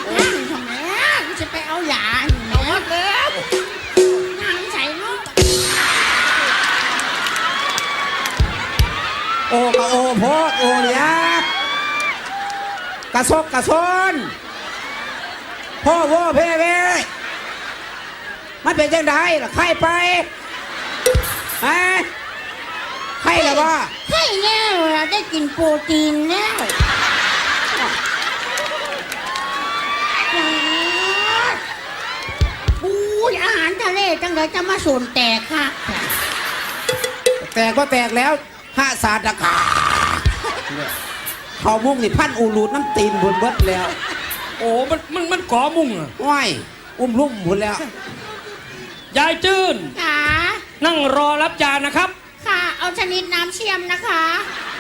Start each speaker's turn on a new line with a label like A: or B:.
A: นั่งทำไมกูจะไปเอาหยาเอาวัดแล้วนั่งใส่ลูก
B: โอ้กะโอโพดโอเลียกระซกกระซนพ่อโว้เพ่เพ่มันเป็นจังไดล่ะใครไปฮะใครล่ะวะ
A: ให้แล้วเราได้กินโปรตีนแล้วอู้ยอาหารทะเลจังเลยจะมาส่วนแตกค่ะ
B: แตกก็แตกแล้วห้าศาสตร์กาเขามุ่งนี่พันอูรูดน้ำตีนบุญเบิดแล้ว
C: โอ้มันก่อมุ่งอ่ะ
B: ว้ายลุ่มบุญแล้ว
C: ยายจื้น
A: ค่ะ
C: นั่งรอรับจานนะครับ
A: ค่ะเอาชนิดน้ำเชี่ยมนะคะ